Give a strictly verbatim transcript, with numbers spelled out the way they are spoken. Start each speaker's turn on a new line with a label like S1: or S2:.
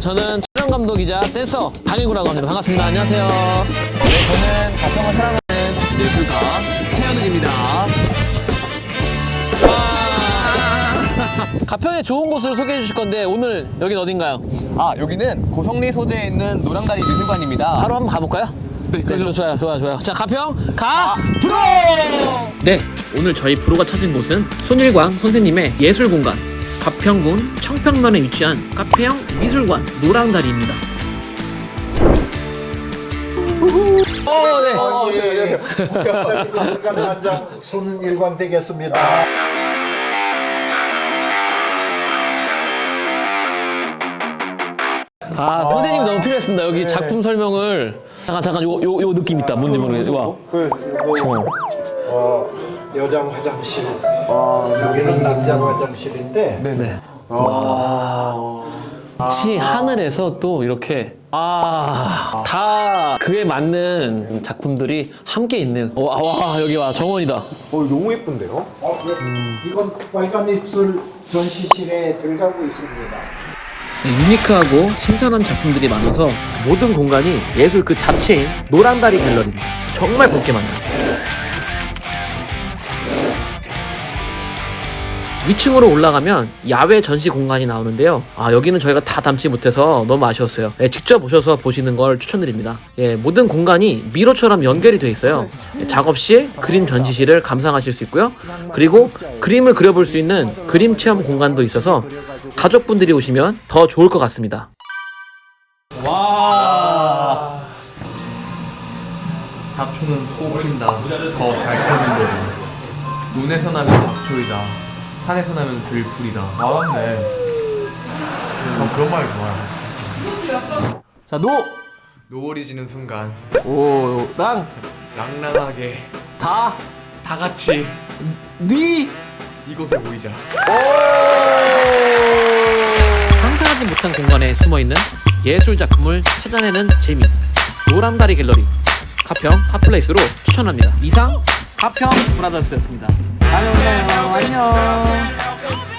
S1: 저는 촬영 감독이자 댄서 강일구라고 합니다. 반갑습니다. 안녕하세요.
S2: 네, 저는 가평을 사랑하는 예술가 최현욱입니다.
S1: 가평에 좋은 곳을 소개해 주실 건데 오늘 여긴 어딘가요?
S2: 아, 여기는 고성리 소재에 있는 노랑다리 미술관입니다.
S1: 바로 한번 가볼까요?
S2: 네,
S1: 네, 좀 좋아요, 좋아요, 좋아요. 자, 가평 가 프로! 네, 오늘 저희 프로가 찾은 곳은 손일광 선생님의 예술 공간 가평군 청평면에 위치한 카페형 미술관 노랑다리입니다. 어, 네.
S3: 어, 예, 예. 국가관장 손일광 되겠습니다.
S1: 아, 선생님이 너무 필요했습니다. 여기 작품 설명을 잠깐 잠깐 요 요 요 느낌 있다. 뭔지 모르겠어. 와.
S3: 그, 이거, 어, 여장 화장실. 여기는 남장 화장실인데.
S1: 네. 지 하늘에서 또 이렇게 아, 다 그에 맞는 작품들이 함께 있네요. 와, 와 여기 와 정원이다.
S4: 어, 너무 예쁜데요?
S3: 어, 예. 이건 빨간 입술 전시실에 들어가고 있습니다.
S1: 유니크하고 신선한 작품들이 많아서 모든 공간이 예술 그 자체인 노랑다리 갤러리입니다. 정말 볼 게 많아요. 위층으로 올라가면 야외 전시 공간이 나오는데요. 아, 여기는 저희가 다 담지 못해서 너무 아쉬웠어요. 예, 직접 오셔서 보시는 걸 추천드립니다. 예, 모든 공간이 미로처럼 연결이 되어 있어요. 예, 작업 시 그림 전시실을 감상하실 수 있고요. 그리고 그림을 그려볼 수 있는 그림 체험 공간도 있어서 가족분들이 오시면 더 좋을 것 같습니다. 와,
S5: 잡초는 뽑힌다. 더 잘 크는 거지. 논에서 나면 잡초이다. 산에서 나면 들풀이다. 맞았네. 전 그런 말 좋아요.
S1: 자, 노,
S5: 노을이 지는 순간
S1: 오, 랑,
S5: 랑랑하게
S1: 다,
S5: 다 같이
S1: 니.
S5: 이곳에 모이자.
S1: 상상하지 못한 공간에 숨어있는 예술 작품을 찾아내는 재미 노랑다리 갤러리 가평 핫플레이스로 추천합니다. 이상 가평 브라더스였습니다. 다음에 만나요. 안녕.